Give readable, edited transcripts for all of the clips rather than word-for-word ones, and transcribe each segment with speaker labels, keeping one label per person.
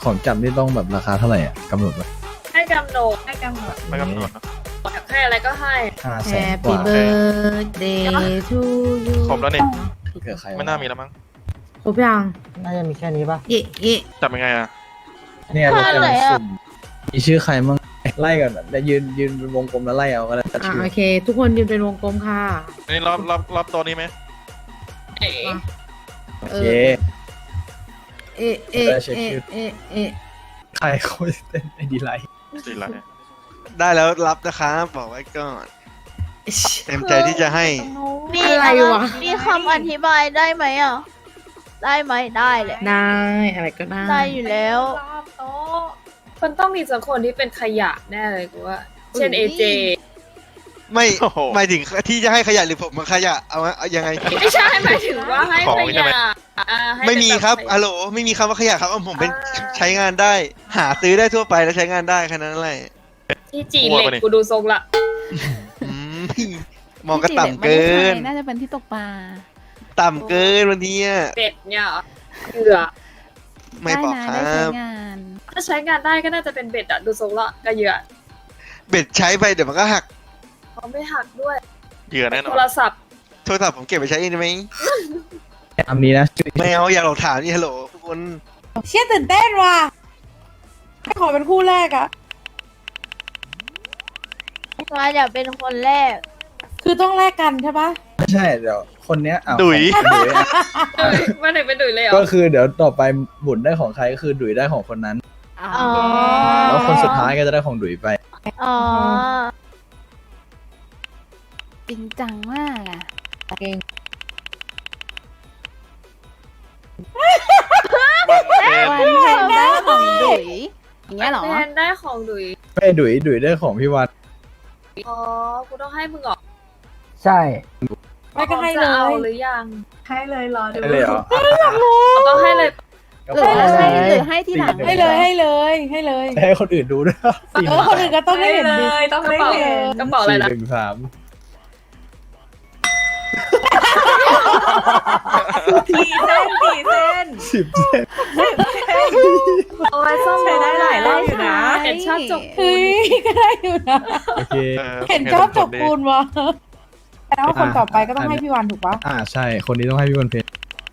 Speaker 1: ของจับนี่ต้องแบบราคาเท่าไหร่อ่ะกำหนดไว้
Speaker 2: ให้กำหนด
Speaker 3: ไม่กำหนด
Speaker 2: อยากให้อะไรก็ให้
Speaker 1: 500,000 ก
Speaker 4: Happy
Speaker 1: ว่า
Speaker 4: birthday to you
Speaker 5: ครบแล้วนี่
Speaker 1: เผื่อใคร
Speaker 5: ไม่น่ามีแล้วมั้ง
Speaker 4: ครบยัง
Speaker 6: น่าจะมีแค่นี้ป่ะ
Speaker 4: เอ๊ะเอ๊ะ
Speaker 5: จับยังไงอ่ะ
Speaker 1: เนี่ยเราจะสุ่มมีชื่อใครมั่งไล่ก่อนแต่ยืนเป็นวงกลมแล้วไล่เอาก็ได้
Speaker 4: อ่ะ
Speaker 1: ชื่อ
Speaker 4: โอเค ทุกคนยืนเป็นวงกลมค่ะ
Speaker 5: อันนี้รอบตัวนี้ไหม
Speaker 2: เอ๋
Speaker 1: โอเค
Speaker 4: เอ๊ะเอ๊ะ
Speaker 1: ได้เช็ค
Speaker 4: เอ๊ะ
Speaker 1: ชื่อ
Speaker 4: เอ๊ะเอ๊ะ
Speaker 1: ใครเขาเต้นไอดีไลท์
Speaker 5: สี่ไร
Speaker 7: ได้แล้วรับนะครับบอกไว้ก่อน เต็มใจที่จะให้
Speaker 8: มี
Speaker 4: อะไรวะ
Speaker 8: มีคำอธิบายได้ไหมอ่ะ ได้ไหมได้แหละ
Speaker 4: ได้อะไรก็ได้
Speaker 8: ได้อยู่แล้ว
Speaker 2: รอบโต๊ะมันต้องมีสักคนที่เป็นขยะแน่เลยกูว่า เช่นเอเจ
Speaker 7: ไม่หมายถึงที่จะให้ขยะหรือผมมาขยะเอายังไง
Speaker 2: ไม่ใช่หมายถึงว่าให้ขยะให้
Speaker 7: ไม่มีครับ
Speaker 2: เป็นแ
Speaker 7: ฮัลโหลไม่มีคำว่าขยะครับผมเป็นใช้งานได้ หาซื้อได้ทั่วไปแล้วใช้งานได้แค่นั้นแหละ
Speaker 2: ที่จีเหล็กกูดูทรงละ
Speaker 7: อืมมองก็ต่ำเกิน
Speaker 3: น่าจะเป็นที่ตกปลา
Speaker 7: ต่ำเกินวันนี้อะ
Speaker 2: เป็ดเนี่ยเหรอเกลือ
Speaker 7: ไม่บอกค
Speaker 3: ได้
Speaker 7: รั
Speaker 3: ใช้
Speaker 7: บ
Speaker 3: งาน
Speaker 2: ถ้าใช้งานได้ก็น่าจะเป็นเบ็ดอะดูทรงละกระเหยื่อ
Speaker 7: เบ็ดใช้ไปเดี๋ยวมันก็หัก
Speaker 2: เขาไม่หักด้วย
Speaker 5: เหยื่อแน่นอ
Speaker 2: โท
Speaker 5: น
Speaker 2: รศัพท์
Speaker 7: โทรศัพท์ผมเก็บไปใช้เองได้ไหม
Speaker 1: ตามนี้นะชื่อ
Speaker 7: ไม่เอาอย่าหลอกถามนี่ฮัลโหลทุกคน
Speaker 4: เชี่ยตื่นเต้นว่ะขอเป็นคู่แรกอะ
Speaker 8: มาอยากเป็นคนแรก
Speaker 4: คือต้องแลกกันใช่ปะ
Speaker 1: ไม่ใช่เดี๋ยวคนเนี้ยเอา
Speaker 5: ดุย
Speaker 1: ดุยอะ
Speaker 2: มาไหนเป็นดุยเลยเหร
Speaker 1: ก็
Speaker 2: อ
Speaker 1: คือเดี๋ยวต่อไปบุญได้ของใครก็คือดุยได้ของคนนั้น
Speaker 8: อ๋อ
Speaker 1: แล้วคนสุดท้ายก็จะได้ของดุยไป
Speaker 8: อ๋อ
Speaker 3: จริงจังมากอ่ะ
Speaker 5: วันเพ็ญ
Speaker 3: วันแทนได้ของดุยอย่างเงี้ยเหรอ
Speaker 2: แทนได้ของดุย
Speaker 1: ไม่ดุยได้ของพี่วัน
Speaker 2: อ๋อ กูต้องให้มึงเหรอ
Speaker 6: ใช่
Speaker 4: ไม่ก็ให้เล
Speaker 2: จะเอา
Speaker 4: ย
Speaker 2: หรือยัง
Speaker 3: ให้เลยรอดู
Speaker 1: ได้เลยเหรอ
Speaker 2: เราต้องให้เลย
Speaker 1: กระ
Speaker 3: หรือ
Speaker 1: เป๋า
Speaker 3: ให้หรือให้ที่หลัง
Speaker 4: ให้เลยให้เลยให้เลย
Speaker 1: ให้คนอื่นดูด้วยสี่
Speaker 4: เออคนอื่นก็ต้องได้เห็นดิ
Speaker 3: ต้อง
Speaker 2: กระ
Speaker 3: ได้
Speaker 2: เป๋า
Speaker 3: เห็น
Speaker 2: กระเป๋าอะไรนะ
Speaker 1: 413
Speaker 3: กี่เส้นกี่เส้น
Speaker 1: 10 เส้น
Speaker 2: เอาไว้ซ่อม
Speaker 3: ใช้ได้หลายรอบอยู่นะ
Speaker 2: เห็นชอบจกปู
Speaker 4: เฮ้
Speaker 2: น
Speaker 4: ยก็ได้อยู่นะ
Speaker 1: โอเค
Speaker 4: เห็นชอบจบปูนวะแล้วคนต่อไปก็ต้องให้พี่วันถูกปะ
Speaker 1: ใช่คนนี้ต้องให้พี่วันเพชร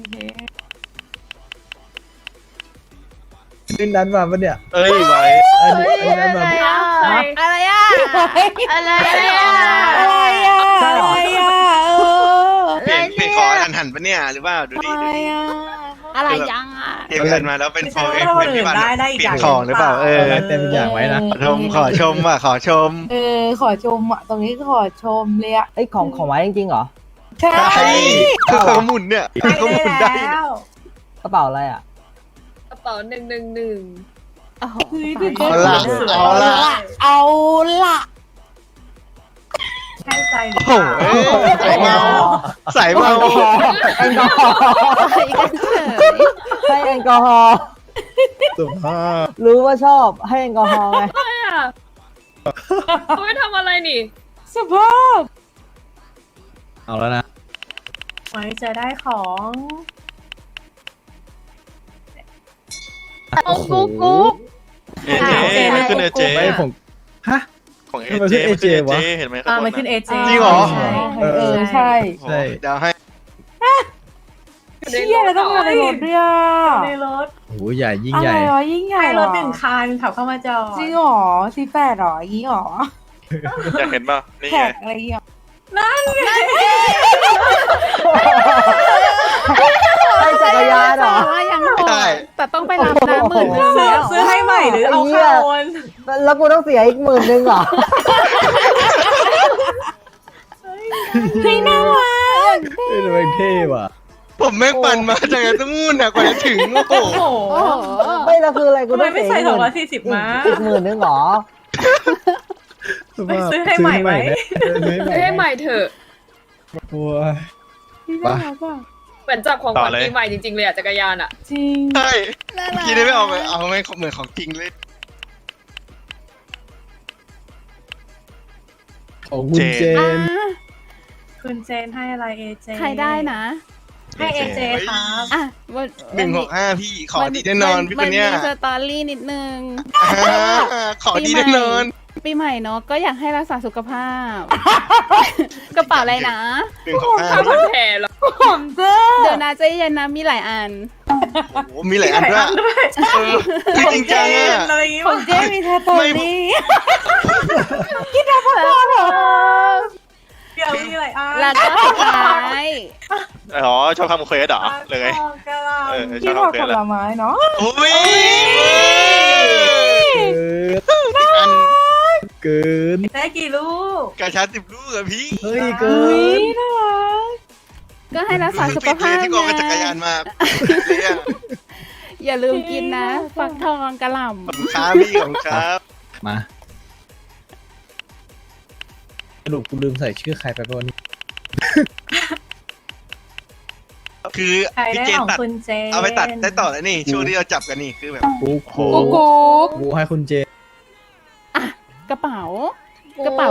Speaker 1: นี่นั้นมาปะเนี่ย
Speaker 5: เอ้ยไว้
Speaker 1: อันนี้นั้นมา
Speaker 8: อะไรอ่ะ อะไรอ่ะ
Speaker 4: อะไรอ่ะอะไรอ่ะเออ
Speaker 7: เปลี่ยนคอหันปะเนี่ยหรือเปล่าดูดิ
Speaker 4: อะไรอ่ะ
Speaker 3: อะไรยังอ่ะ
Speaker 7: เปลี่ยนเงินมาแล้วเป็นโฟเอ็ก
Speaker 3: ไม่
Speaker 7: เป็น
Speaker 3: ใช่
Speaker 7: พี่วัน
Speaker 3: ว่าคนอื่นได้อีก
Speaker 7: เปลี่ย
Speaker 3: อน ย่าง
Speaker 7: ของหรือเปล่า
Speaker 1: เต็มอย่างไว้นะ
Speaker 7: ขอชมว่ะขอชม
Speaker 4: ขอชมอ่ะตรงนี้ขอชมเลยอ่ะ
Speaker 6: ไอ้ยของไว้จริงๆเหรอ
Speaker 4: ใช่
Speaker 7: ใช่เขาหมุนเนี่ยเขาหมุนได้
Speaker 3: แล้ว
Speaker 6: กระเป๋าอะไรอ่ะ
Speaker 2: กระเป๋า111
Speaker 3: โอ้โห
Speaker 4: เฮ้ยตื่นเต้น
Speaker 7: เอาละเอาละ
Speaker 4: เอาละ
Speaker 3: ใช่ใจหรื
Speaker 7: โอ้
Speaker 3: อ
Speaker 7: โห
Speaker 3: เปล่า
Speaker 7: ใส่เมา
Speaker 6: แอลกอฮอล์
Speaker 3: ไปกันเฉย
Speaker 6: ให้แอลกอฮอล์
Speaker 1: สุภาพ
Speaker 6: รู้ว่าชอบให้แอลกอฮอล์ไง
Speaker 2: อะไรอ่ะเขาไม่ทำอะไรนี่
Speaker 4: สภาพ
Speaker 1: เอาแล้วนะ
Speaker 3: ไว้จะได้ของ
Speaker 8: เอากุ๊กกุ๊ก
Speaker 5: เอเจไม่ขึ้นเอเจ
Speaker 1: ไม่ผมฮะ
Speaker 5: ของเอ
Speaker 1: ทำไม
Speaker 5: เจ
Speaker 1: ขึ้น
Speaker 5: ไม่ขึ้นเอ
Speaker 1: AJ วะ
Speaker 5: เจเห็นไหม
Speaker 3: มันขึ้นเอเจ
Speaker 7: จริงเหรอ
Speaker 4: ใช่
Speaker 1: ใช่
Speaker 7: เดี๋ยวให้
Speaker 4: เชี่ยแล้วต้องมาในรถด้วยอ่ะ
Speaker 3: ในรถ
Speaker 1: โอ้โหใหญ่ยิ่ง
Speaker 4: อะ
Speaker 1: ให
Speaker 4: ไร
Speaker 1: ญ่
Speaker 4: วะยิ่งใหญ่
Speaker 3: ให้
Speaker 4: เห
Speaker 3: ร
Speaker 4: ร
Speaker 3: ถ
Speaker 4: อ
Speaker 3: หนึ่งคันขับเข้ามาจอด
Speaker 4: จริงเหรอC8หรออย่างงี้หรอ
Speaker 5: อยากเห็นป่ะนี่
Speaker 4: แท็
Speaker 5: ไง
Speaker 4: กอะไรอย่างเงี้ย
Speaker 6: ให้จักรยานเหรอ
Speaker 3: ว่ายังโหด
Speaker 7: ใช่
Speaker 3: แต่ต้องไปรับน้ำหมื่นหนึ่งซื้อให้ใหม่หรือเอาเข้าโอน
Speaker 6: แล้วกูต้องเสียอีก10,000เหรอ
Speaker 4: เฮ้ยน่ารัก
Speaker 1: เฮ้ยทำไมเท่ว่ะ
Speaker 7: ผมแม่งปั่นมาจากตรงนู้นน่ะกว่าจะถึงโอ้โห
Speaker 3: โอ้โห
Speaker 6: ไม่แล้วคืออะไรกู
Speaker 3: ทำไม
Speaker 6: ต้อง
Speaker 3: ไม่
Speaker 6: เสีย
Speaker 3: ใส่ 240
Speaker 6: อีก10,000
Speaker 3: ม้า
Speaker 6: อีก10,000เหรอ
Speaker 1: สุภาพ
Speaker 3: ซื้อให้ใหม่ไหม
Speaker 1: ซื้อให้
Speaker 2: ให้
Speaker 1: ให
Speaker 2: ให
Speaker 1: ม่
Speaker 2: ม่เถอะ
Speaker 1: โอ้ย
Speaker 4: น่ารักอ่ะ
Speaker 2: เหมือนจับของขวัญปีใหม่จริงๆเลยอ่ะจักรยานอ่ะ
Speaker 4: จริง
Speaker 7: ใช่คิดได้ไม่ออกเลยเอาไม่เหมือนของจริงเลย
Speaker 1: ของคุณเจน
Speaker 3: คุณเจนให้อะไรเอเจใครได้นะ
Speaker 1: ผ
Speaker 3: ให้เอเจครับ
Speaker 4: อ่ะวัน
Speaker 7: 165พี่ขอดีแน่นอนพี่คนเนี้ย
Speaker 4: มัมีสตอรี่นิดนึง
Speaker 7: ขอดีแน่นอน
Speaker 4: ปีใหม่เนาะก็อยากให้รักษาสุขภาพ กระเป๋าอะไรนะ
Speaker 2: ข้าวผัดแผ่เหรอ
Speaker 4: ผมเดี๋ยวนะใจเย็นนะมีหลายอัน
Speaker 7: โอ้โหมีหลายอันด้วยเออคือจริงจังอ่ะ
Speaker 3: อะไรอย่างงี้
Speaker 4: ของเจ๊มีแทตอรี่
Speaker 3: เดี๋ยวมีอะไรอ่ะ
Speaker 4: แล้วก็สุดท้าย
Speaker 5: อ๋อชอบทำเควสเหรอเลยไง
Speaker 3: กะลา
Speaker 5: เออช
Speaker 4: ที่
Speaker 5: อบ
Speaker 4: ผัก
Speaker 5: ทำเคว
Speaker 4: ผ
Speaker 5: สแล้
Speaker 4: ล
Speaker 5: ว
Speaker 4: ไม้เนาะ
Speaker 7: โอ้ย
Speaker 1: เกิน
Speaker 3: ได้กี่ลูก
Speaker 7: กระชา10 ลูกอะพี่
Speaker 1: เฮ้ยเกิน
Speaker 4: น่ารักก็ให้รักษาสุข
Speaker 7: ปิดเล
Speaker 4: ภาย พ
Speaker 7: ที่กองกับจักรยานมาเลยอะ
Speaker 4: อย่าลืมกินนะฟักทองกระหล่ำ
Speaker 7: ขอบคุณครับพี่ของครับ
Speaker 1: มาสรุปกูลืมใส่ชื่อใครไปป่ะวันนี้
Speaker 7: คือ
Speaker 3: ใคร
Speaker 7: พี่
Speaker 3: ได้
Speaker 7: เจน
Speaker 3: ของ
Speaker 7: ตัด
Speaker 3: คุณเจน
Speaker 7: เอาไปตัดได้ต่อแล้วนี่ช่วงที่เราจับกันนี่คือแบบ
Speaker 1: กู
Speaker 4: กุ๊กกุ๊ก
Speaker 1: กูให้คุณเจ
Speaker 4: กระเป๋า กระเป๋า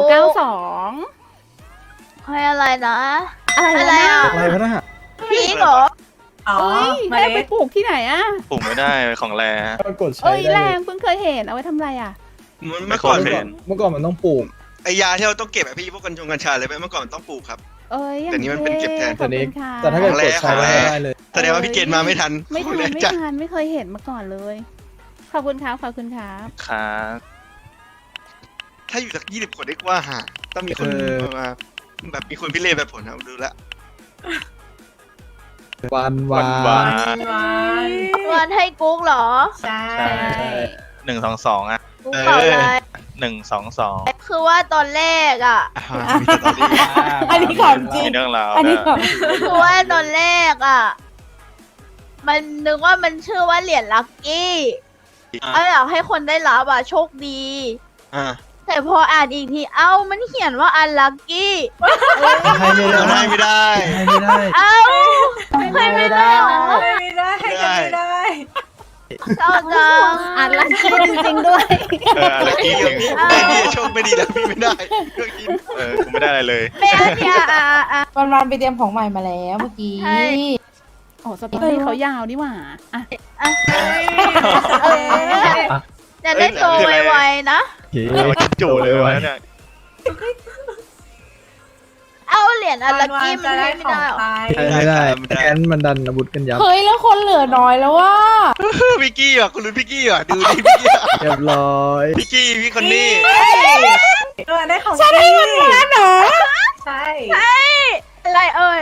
Speaker 4: 92
Speaker 8: ให้อะไรนะ
Speaker 4: อะไร
Speaker 8: อะไร
Speaker 4: นะ
Speaker 8: อ่ะ
Speaker 1: อะไรวะน่ะ
Speaker 8: พี่เหรอ
Speaker 3: อ๋อ
Speaker 4: เอ้ย
Speaker 3: มา
Speaker 4: แม่ไป
Speaker 3: เล็ก
Speaker 4: ปลูกที่ไหนอะ
Speaker 5: ปลูกไม่ได้ของแร
Speaker 1: มันกดใช้
Speaker 4: เอ้ย
Speaker 1: ได้
Speaker 4: แร
Speaker 1: เลย
Speaker 4: งเพิ่งเคยเห็นเอาไว้ทำอะไรอะ
Speaker 7: เมื่อก่อน
Speaker 5: ไม่
Speaker 7: เป็น
Speaker 1: เมื่อก่อนมันต้องปลูก
Speaker 7: ไอยาที่เราต้องเก็บอะพี่พวกกัญชาเลยไหมเมื่อก่อนมันต้องปลูกครับ
Speaker 4: เอ้ยอย่าง
Speaker 7: แต่นี่มันเป็นเก็บแทน
Speaker 4: ขอบคุณค่ะ
Speaker 1: แต่ถ้าเกิดกดใช้
Speaker 7: ของแร
Speaker 1: ได้เลย
Speaker 7: แสดงว่าพี่เจนมาไม่ทัน
Speaker 4: ไม่ทัน
Speaker 7: แรก
Speaker 4: ไม่
Speaker 7: จัด
Speaker 4: ทันไม่เคยเห็นมาก่อนเลย ขอบคุณครับขอบคุณครับ
Speaker 5: ครับ
Speaker 7: ถ้าอยู่สัก20 คนได้กว่าหาต้องมีคนมาแบบมีคนพิเรนแบบผลนะดูแลว
Speaker 1: วันวา
Speaker 5: วัน
Speaker 1: น
Speaker 3: วัน
Speaker 8: วันให้กุ๊กเหรอ
Speaker 3: ใช่
Speaker 5: 122อ่ะ
Speaker 8: กุ๊กเปล่าอะไร
Speaker 5: 122
Speaker 8: คือว่าตอนแรกอ่ะ
Speaker 7: มีสตอรี่
Speaker 4: อันนี้ของจริง
Speaker 5: มีเรื่องราว
Speaker 4: อันนี้ของ
Speaker 8: คือว่าตอนแรกอ่ะ มันนึกว่ามันชื่อว่าเหรียญลัคกี้อยากให้คนได้รับอ่ะโชคดี
Speaker 7: อ่า
Speaker 8: แต่พออ่านอีกที เอ้า มันเขียนว่าอันลัคกี้
Speaker 1: ให้ไม่ได้
Speaker 7: ได้ไม่ได้
Speaker 1: ให้ไม่ได้
Speaker 8: เอ้าให้ไม่ได้เหรอ
Speaker 3: ไม่ได้ให้กันไม่ได้
Speaker 8: เศร้าจัง
Speaker 4: อ่านลักกี้จริงๆด้วย
Speaker 5: อะไรกิน
Speaker 7: พี่พี่โชคไม่ดีแล้วพี่ไม่ได้ก็กิน
Speaker 5: กูไม่ได้อะไรเลย
Speaker 8: แม่เนี่ยอ่ะ
Speaker 4: วันไปเตรียมของใหม่มาแล้วเมื่อกี้
Speaker 8: ใช่
Speaker 4: โอ้สตอรี่เขายาวนี่หว่าอ่ะ
Speaker 8: จะได้โตไวๆนะ
Speaker 1: เฮ้
Speaker 5: เรากินจุเลยวะเนี่ย
Speaker 8: เอาเหรียญอันลัคกี้มันให้ไม่ได้เหรอ
Speaker 1: ให้ไม่ได้แอนมันดันอาวุธกันยับ
Speaker 4: เฮ้ยแล้วคนเหลือน้อยแล้วว่า
Speaker 7: พี่กี้อ่ะคุณรู้พี่กี้อ่ะดูดิพี่กี้อ่ะ
Speaker 1: เรียบร้อย
Speaker 7: พี่กี้พี่คนนี้
Speaker 3: ได้ของฉันได้เงินล้านเหรอใช่
Speaker 8: อะไรเอ่ย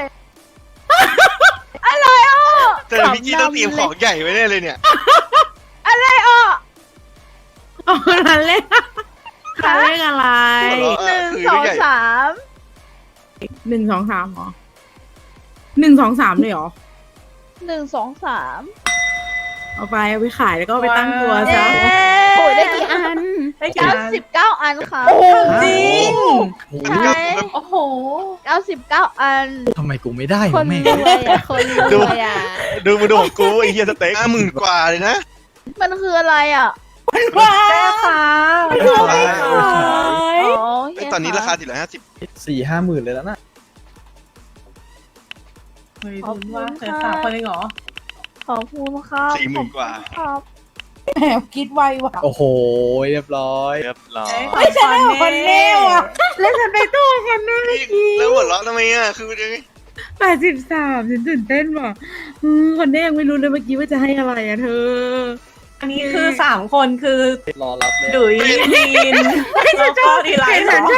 Speaker 8: อะไรอ่ะ
Speaker 7: แต่พี่กี้ต้องเตรียมของใหญ่ไว้แน่เลยเนี่ย
Speaker 8: อะไรอ่ะ
Speaker 4: อ๋อนั่นเลขนั่นเลขอะไร
Speaker 7: หัวเราะ
Speaker 8: 1 2 3
Speaker 4: 1 2 3เหรอ1 2 3เลยเหรอ
Speaker 8: 1 2 3
Speaker 4: เอาไปขายแล้วก็ไปตั้งตัวซะ
Speaker 8: เย้
Speaker 4: โอ้ยได้กี่อัน
Speaker 3: ได้กี่อัน
Speaker 8: 99 อันค่ะ
Speaker 3: จริง
Speaker 8: ใช่
Speaker 3: โอ้โห
Speaker 8: 99 อัน
Speaker 1: ทำไมกูไม่ได้
Speaker 4: ค
Speaker 1: วะ
Speaker 4: น
Speaker 1: แม่ง
Speaker 4: รวยอ่ะคนรวยอ่ะ
Speaker 5: ดูมาดูของกูไอ้เฮียสเต็ก
Speaker 7: 50,000 กว่าเลยนะ
Speaker 8: มันคืออะไรอ่ะ
Speaker 3: แม่ค่ะ
Speaker 8: อ๋อ
Speaker 7: ไอตอนนี้ราคา450
Speaker 1: 4-5 หมื่นเลยแล้วนะ
Speaker 3: เฮ้ยลุ้นว่าเธอ3 คนเลยเหรอ
Speaker 8: ขอบคุณครับ
Speaker 7: 40,000 กว่า
Speaker 8: ครับ
Speaker 4: แหมคิดไวว่ะ
Speaker 1: โอ้โหเรียบร้อย
Speaker 5: เรียบร้อย
Speaker 3: ไม่ใช่คนเน่ว่ะ
Speaker 4: แล้วฉันไปตู้กันนะ
Speaker 7: แล้วหัวเราะทำไมอ่ะคือยังไง
Speaker 4: 83ฉันตื่นเต้นว่ะคนนี้ยังไม่รู้เลยเมื่อกี้ว่าจะให้อะไรอ่ะเธอ
Speaker 3: อันนี้คือ3 คนคือ
Speaker 1: รอรับเลย
Speaker 3: ดุยลีนแล้วก็ดีไลท์เหรอ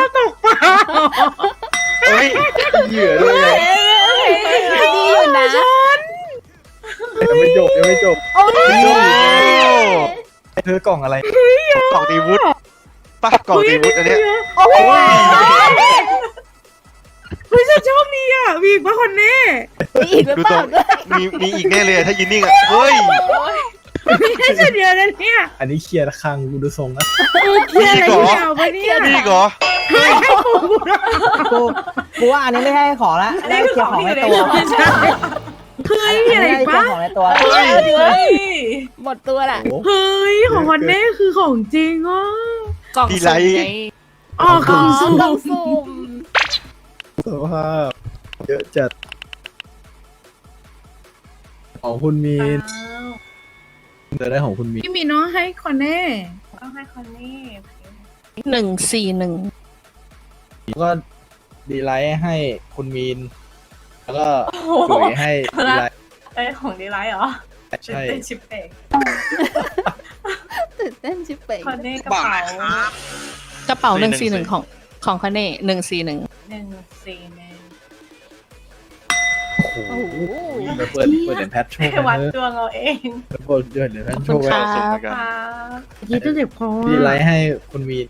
Speaker 1: เฮ้ยเหยื่อด้วยไง
Speaker 4: ดีอยู่นะ
Speaker 1: ยังไม่จบยังไม่จบ
Speaker 8: โอ้ย
Speaker 1: เธอกล่องอะไร
Speaker 7: กล่องตีวุฒป่ะกล่องตีวุฒอันเนี้ย
Speaker 8: โอ้ย
Speaker 4: เฮ้ยฉันชอบดีอ่ะมีอีกปะคนนี้มีอีกหรือ
Speaker 7: ดู
Speaker 4: เป
Speaker 7: ตั
Speaker 4: ล่าว ด้วย
Speaker 7: มีอีกแน่เลยถ้ายืนนิ่งอ่ะเฮ้ย
Speaker 4: ไม่ใช่ฉันเดียวนะเนี่ย
Speaker 1: อันนี้เคลียร์คังกูดูทรงนะ
Speaker 4: เที่ยอะไรที่เอาไปเนี่ย
Speaker 7: มีอีกเหรอ
Speaker 6: กูว่าอันนี้ไม่ใช่ของละ
Speaker 3: อัน
Speaker 6: ได้
Speaker 3: นี้คือ
Speaker 6: เคลีย
Speaker 3: ข
Speaker 6: ร์
Speaker 3: อง
Speaker 6: ของ
Speaker 3: ที่
Speaker 6: ใน
Speaker 3: อยู่ใน
Speaker 6: ตัว
Speaker 3: ตัว
Speaker 4: เฮ้ยมีอะไรอีกปะ
Speaker 6: อันนี้ได้เคลียร์ของในตัว
Speaker 7: เฮ้ย
Speaker 3: เฮ้ย
Speaker 4: หมดตัวละ
Speaker 1: โอ้
Speaker 4: เฮ้ยของวันนี้คือของจริงอ่ะ
Speaker 3: กล่อง
Speaker 7: ดีไลท์
Speaker 4: อ๋อกล่องสุ่ม
Speaker 1: สภาพเยอะจัดของคุณมีน
Speaker 3: อ้าว
Speaker 1: เธอได้ของคุณมีน
Speaker 4: พี่มีน้องให้คอนเน่
Speaker 3: ต้องให้คนนี้
Speaker 9: 141
Speaker 1: ก็ดีไลท์ให้คุณมีน แล้วก็ถุยให้ดีไลท์
Speaker 3: เอ้ยของดีไลท์เหรอ
Speaker 1: ใช่
Speaker 3: เป็นชิปเป่ง
Speaker 9: ตื่นเต้นชิบเป่ง
Speaker 3: คนนี้กระเป๋าก
Speaker 9: ระเป๋า141ของคาเน่141
Speaker 3: 141
Speaker 1: โอ้โหเดี๋ยวเปิดเหรียญแพทโชว์
Speaker 3: ให้วัด
Speaker 1: นะ
Speaker 3: ดวงเอาเอง
Speaker 1: เดี๋ยวเปิดเหรียญแพทโชว์
Speaker 9: ขอบคุณ
Speaker 5: ส่ง
Speaker 9: ค่ะ
Speaker 5: เหมือนกัน
Speaker 3: ครับ
Speaker 4: ยีต้องเจ็บคอ
Speaker 1: ดีไลท์ให้คุณมีน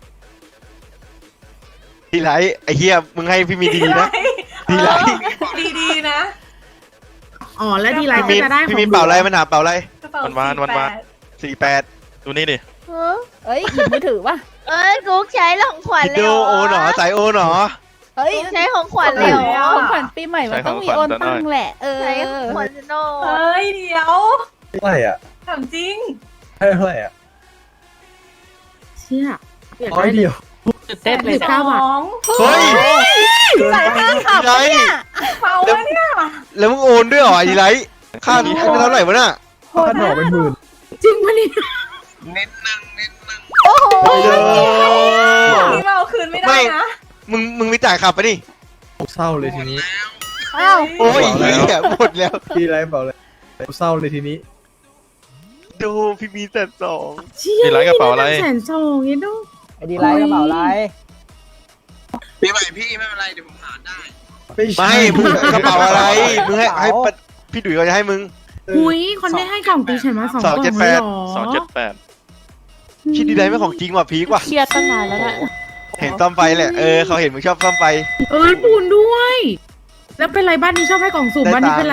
Speaker 7: พี่ไลท์ไอ้เหี้ยมึงให้พี่มีดีๆนะ ดีไลท์
Speaker 3: ดีๆนะ
Speaker 4: อ๋อแล้วดีไลท์ก็
Speaker 7: พี่มี
Speaker 4: จะได้ของ
Speaker 7: พี่มีเป่าอะไรมันหาเป่าอะไร
Speaker 3: กระเป๋า
Speaker 5: วัน
Speaker 7: 48
Speaker 5: ดูนี่ดิ
Speaker 8: เออ
Speaker 9: เอ้ยหยิบมือถือป่ะ
Speaker 8: เอ้ยกุ๊กใช้ของขวัญ
Speaker 7: คิด
Speaker 8: เลย
Speaker 7: ดูโอหนอสายโอหนอ
Speaker 9: เอ้ย
Speaker 8: กุ๊กใช้ของขวัญเลยเหรอ
Speaker 9: ของขวัญปีใหม่มันต้องมีโอนตังค์แหละ
Speaker 8: ใช้ของขวัญโน
Speaker 3: เฮ้ยเดี๋ยว
Speaker 1: เท่าไหร่อ่ะ
Speaker 3: ถามจริง
Speaker 1: ให้เท่าไหร่อ่ะ
Speaker 4: เชี่ยอยาก
Speaker 1: ร้อย
Speaker 4: ได้
Speaker 1: เดียว
Speaker 9: ตื่นเต้นเลย
Speaker 4: 19 บาท
Speaker 7: เฮ้ย
Speaker 1: เกินไป
Speaker 7: ดีไลท์
Speaker 3: เป่าวะเนี่ย
Speaker 7: แล้วมึงโอนด้วยเหรอดีไลท์ค่านี้เท่าไหร่วะน่ะ
Speaker 1: ค่าดอกเป็นหมื่น
Speaker 4: จริงปะเนี่ย
Speaker 9: โอ้โห
Speaker 3: นี่มาเอาคืนไม่ได้นะ
Speaker 7: มึงไม่จ่ายขับไปะนี่
Speaker 1: เศร้าเลยทีนี้
Speaker 9: อ้าว
Speaker 7: โอ้ยเหี้ยหมดแล้ว
Speaker 1: ดีไลท์เปล่าเลยเศร้าเลยทีนี้
Speaker 7: ดูพี่มีแต่2
Speaker 4: เชี่ย
Speaker 5: ดีไลท์กระเป๋าอะไร
Speaker 4: แสนสองเนี่ยดู
Speaker 6: ไอ้ดีไลท์กระเป๋าไร
Speaker 7: ปีใหม่พี่ไม่เป็นไรเดี๋ยวผมหาได้
Speaker 1: ไม่ใช่
Speaker 7: ไม่มึงกระเป๋าอะไรมึงให้พี่ดุยเขาจะให้มึง
Speaker 4: หุยคอนเน่ให้กล่องตีฉันมา2 กล่องเลยเหรอ
Speaker 5: 278
Speaker 7: คิดดีไลท์ไม่ของจริงว่ะพีกว่ะ
Speaker 9: เครียดตั้งนานแล้วนะ
Speaker 7: เห็นซ่อมไฟแหละเขาเห็นมึงชอบซ่อมไฟ
Speaker 4: เอ้ยปูนด้วย แล้วเป็นไรบ้านนี้ชอบให้กล่องสุ่ม
Speaker 7: ได้
Speaker 4: บ้านนี้
Speaker 7: ตังค์
Speaker 4: เป็นไร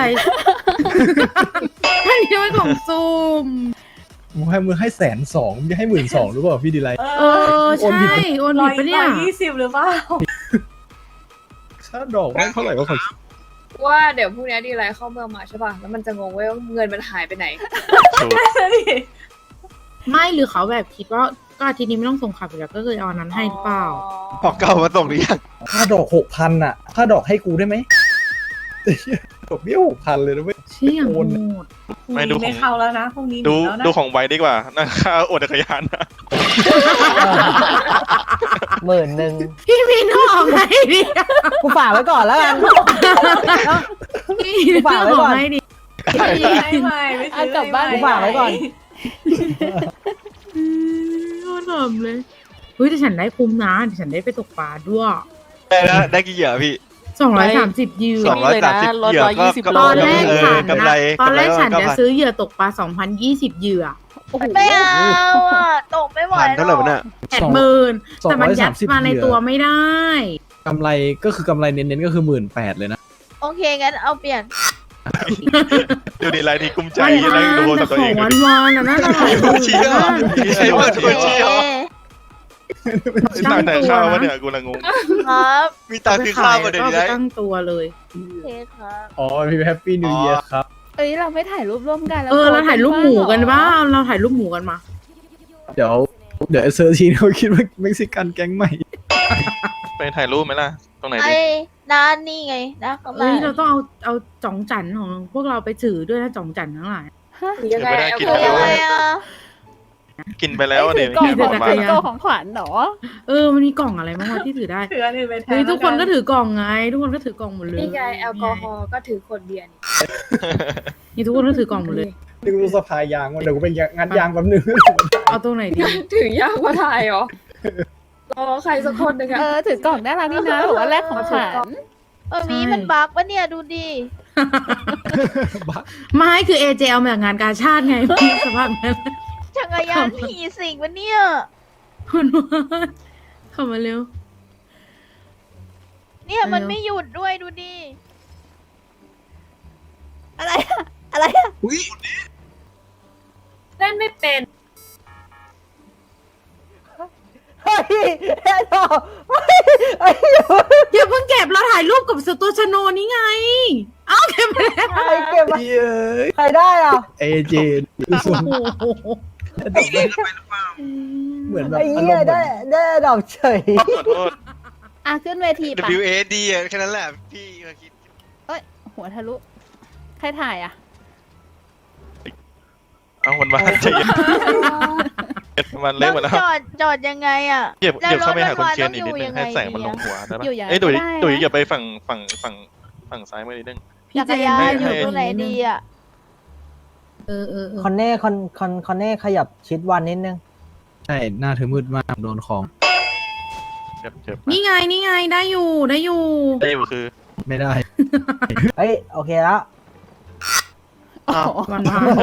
Speaker 4: บ้านนี้ชอบให้กล่องสุ่ม
Speaker 1: มึงให้120,000มึงจะให้12,000หรือเปล่าพี่ดีไลท์
Speaker 4: เออใช่โอนผิดปะเนี่ย
Speaker 3: 120หรือเปล่า
Speaker 1: ค่าดอกไม่เท่าไหร่ก็ขอ
Speaker 2: ว่าเดี๋ยวพรุ่งนี้ดีไลท์เข้าเมืองมาใช่ป่ะ แล้วมันจะงงว่าเงินมันหายไปไหน
Speaker 3: น่าจะดิ
Speaker 4: ไม่หรือเขาแบบคิดว่าก็อาทิตย์นี้ไม่ต้องส่งขับอยู่แล้วก็เลยเอาอันนั้นให้หรือเปล่า
Speaker 7: ของเก่ามาส่งหรือยัง
Speaker 1: ค่าดอก6,000อ่ะค่าดอกให้กูได้ไหมดอกเบี้ย6,000เลยนะเว้ย
Speaker 4: เชี่ย
Speaker 1: โอน
Speaker 4: โหด
Speaker 3: พรุ่งนี้ไม่เข้าแล้วนะพรุ่งนี้ห
Speaker 5: ดู
Speaker 3: นีแล้วนะ
Speaker 5: ดูของไวดีกว่านะค่าโอนจักรยานนะ
Speaker 6: 10,000
Speaker 4: พี่มีน้องให้ดิ
Speaker 6: กูฝากไว้ก่อนแล้วกัน
Speaker 4: พี่มีน้องให้ดิ
Speaker 3: ให้ใหม่ไม่ซื้อ
Speaker 9: เอากลับบ้าน
Speaker 3: ให้
Speaker 6: กูฝากไว้ก่อน
Speaker 4: โคตรหอมเลยเฮ้ยแต่ฉันได้คุ้มนะเดี๋ยวฉันได้ไปตกปลาด้วย
Speaker 7: ได้กี่เหยื่อพี่
Speaker 4: 230ยืน
Speaker 7: 230
Speaker 9: ลด
Speaker 7: เหยื่อก็
Speaker 9: 120
Speaker 7: ก็
Speaker 4: ตอนแรกฉัน
Speaker 7: กำไร
Speaker 4: นะตอนแรกฉัน
Speaker 7: กำไร
Speaker 4: จะ
Speaker 7: ก็
Speaker 4: ซื้อเหยื่อตกปลา2,020เหยื่อ
Speaker 8: ไม่เอาอ่ะตกไม่ไหว
Speaker 7: ผ่าน
Speaker 8: หร
Speaker 7: เท่าไหร่
Speaker 8: อก
Speaker 7: วะเนี่ย
Speaker 4: 80,000แต่มันยัดมาในตัวไม่ได้
Speaker 1: กำไรก็คือกำไรเน้นๆก็คือ18,000เลยนะ
Speaker 8: โอเคงั้นเอาเปลี่ยน
Speaker 5: ดูดีไลน์นี่กุ้มใจ
Speaker 4: ไม่
Speaker 5: นั่งดูโทร
Speaker 4: แต่
Speaker 5: ศัพท์ตัว
Speaker 4: ข
Speaker 5: เอ
Speaker 4: อง
Speaker 5: ง
Speaker 4: วันวานๆน่ะน่าจะหลายหมื่น
Speaker 7: เชี่ย
Speaker 4: นะ
Speaker 7: ใช้เปิดบัญชีเหรอ
Speaker 5: ตั้งแต่ข้าววะเนี่ยกูละงง
Speaker 8: ครับ
Speaker 7: มีตังค์ซื้อข้าวมาเดี๋ยว
Speaker 4: ก็
Speaker 7: นี้
Speaker 4: ไป
Speaker 7: ได้
Speaker 4: ตั้งตัวเลย
Speaker 8: โอเคครับ
Speaker 1: อ๋อพี่แฮปปี้นิวเยียร์ครับ
Speaker 9: เอ้ยเราไม่ถ่ายรูปร่วมกันแล้ว
Speaker 4: เราถ่ายรูปหมูกันบ้างเราถ่ายรูปหมูกันมา
Speaker 1: เดี๋ยวเซอร์ทีนเขาคิดว่าเม็กซิกันแก๊งใหม่
Speaker 5: ไปถ่ายรูปไหมล่ะ ตรงไหน
Speaker 8: ไอ้
Speaker 5: ดิ
Speaker 8: น้านนี่ไงนะข้างห
Speaker 4: เอ้
Speaker 8: น้าย
Speaker 4: เราต้องเอาจ่องจันของพวกเราไปถือด้วยนะจ่องจันทั้งหลาย
Speaker 2: ยังไงเอา
Speaker 5: กิน
Speaker 8: คือ
Speaker 5: ไป
Speaker 8: ยัง
Speaker 5: แล้
Speaker 8: ไง
Speaker 5: ว
Speaker 8: อ่ะ
Speaker 5: กินไปแล้ว
Speaker 9: ถื
Speaker 5: เนี่ย
Speaker 9: อกล่อง
Speaker 5: ที่
Speaker 9: ข
Speaker 5: บ
Speaker 9: อ
Speaker 5: อง ก
Speaker 9: ข
Speaker 5: มา
Speaker 9: วัญของขวัญเหรอ
Speaker 4: มันมีกล่องอะไรบ้างวะที่ถือได้
Speaker 3: ถืออันอื่นไปแทน
Speaker 4: เฮ้ยทุกคนก็
Speaker 3: แล้ว
Speaker 4: ถือกล่องไง ทุกคนก็ถือกล่องหมดเลย
Speaker 2: นี่ไงแอลกอฮอล์ก็ถือขวดเบียร์นี่
Speaker 4: นี่ทุกคนก็ถือกล่องหมดเลย
Speaker 1: นึกรู้สภายางว่าเดี๋ยวกูไปงานยางแป๊บนึง
Speaker 4: เอาตรงไหนดี
Speaker 2: ถือยากกว่าถ่ายเหรอรอใครสักคนหนึ่งอะ
Speaker 9: ถือกล่องน่ารักนี่นะบอกว่าแรกของขวัญ
Speaker 8: มีมันบักปะเนี่ยดูดิ
Speaker 4: ไม่คือเอเจเอามาจากงานกาชาติไงสภาพนั้น
Speaker 8: จักรยานผีสิงปะเนี่ย
Speaker 4: คุณว่าเข้ามาเร็ว
Speaker 8: เนี่ยมันไม่หยุดด้วยดูดิ
Speaker 9: อะไรอะอะไรอะ
Speaker 2: เล่นไม่เป็น
Speaker 6: เฮ้ยแค่ดอกเฮ้ย
Speaker 4: อย่าเพิ่งเก็บเราถ่ายรูปกับสตัวชโนนี้ไง เอ้าเก็บไปแล้ว
Speaker 6: ใครเก็บมา
Speaker 1: เย้ย
Speaker 6: ใครได้อ่ะ
Speaker 1: เอเจคือส่วน
Speaker 4: โอ้โห
Speaker 1: เหมือนแบบ
Speaker 6: ไอ้
Speaker 1: อาร
Speaker 6: เหี้ย
Speaker 1: มณ์เหมื
Speaker 6: ได้
Speaker 1: อน
Speaker 6: ได้ดอกเฉย
Speaker 5: ขอโทษ
Speaker 9: อ่ะขึ้นเวทีปะ
Speaker 7: WAD แค่นั้นแหละพี่มาคิด
Speaker 9: หัวทะลุ ใครถ่ายอ่ะ
Speaker 5: เอามันมาใจเย็นมันเละหมดแล้ว
Speaker 8: จอดยังไงอ่ะ
Speaker 5: เหยียบเข้าไปหาคน
Speaker 8: แล้วรถ
Speaker 5: เชียร์อีกนิดนึงให้แสงมันลงหัวได้ปะ
Speaker 9: อยู่อย่าง
Speaker 5: เอ้ยตุ๋ย
Speaker 9: ได้นะ
Speaker 5: ตุ๋ยอย่าไปฝั่งซ้ายมือนิดนึง
Speaker 8: จักรยาน
Speaker 5: ให้
Speaker 8: อยู่ตรงไหนดีอ่ะ
Speaker 6: คอนเน่คอนเน่ขยับชิดวันนิดนึง
Speaker 1: ใช่หน้าเธอมืดมากโดนของ
Speaker 5: เจ็บ
Speaker 4: นี่ไงได้อยู่
Speaker 5: ได้อยู่คือ
Speaker 1: ไม่ได้
Speaker 6: เฮ้ยโอเคแล้ว
Speaker 4: วัน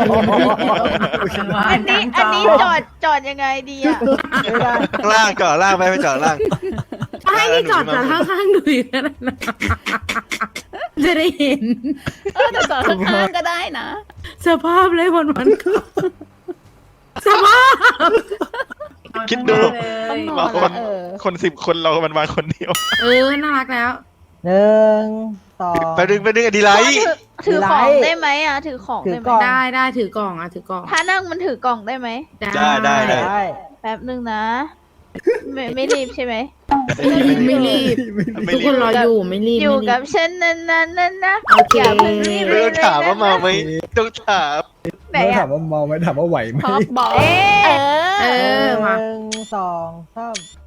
Speaker 8: อันนี้จอดยังไงดีอ่ะ
Speaker 6: ไม่ได้
Speaker 7: ล่างจอดล่างไปจอดล่าง
Speaker 4: ให้นี่จอดจากข้างๆดูอีกนะจะได้เห็น
Speaker 9: แต่จอดข้างๆก็ได้นะ
Speaker 4: สภาพเลยวันสภาพ
Speaker 5: คิดดู
Speaker 9: ต้องนอ
Speaker 5: มาน คน
Speaker 9: ละ
Speaker 5: คน10 คนเรามันมาคนเดียว
Speaker 4: น่ารักแล้ว
Speaker 6: 1 2
Speaker 7: ไปดึงอดีไลท์
Speaker 8: ถือของได้ไหมอ่ะถือของได้ไหม
Speaker 6: ถือกล่อง
Speaker 4: ได้ถือกล่องถือกล่อง
Speaker 8: ถ้านั่งมันถือกล่องได้ไหม
Speaker 7: ได้
Speaker 6: ได้
Speaker 8: แป๊บนึงนะ ไม่รีบใช่ไหม
Speaker 4: ไม่รีบทุกคนรออยู่ไม่รีบ
Speaker 8: อยู่กับฉันนานๆนะ
Speaker 4: โอเค
Speaker 8: อย่าเพิ่งรีบ
Speaker 7: ไม่ต้องถามว่าเมาไหมต้องถาม
Speaker 8: ไหน
Speaker 1: ไม่ถา
Speaker 8: อ่ะ
Speaker 1: มว่าเมาไหมถามว่าไหวไหม
Speaker 9: พอบบอก
Speaker 8: เอ๊ะ
Speaker 4: มา
Speaker 6: 1 2 3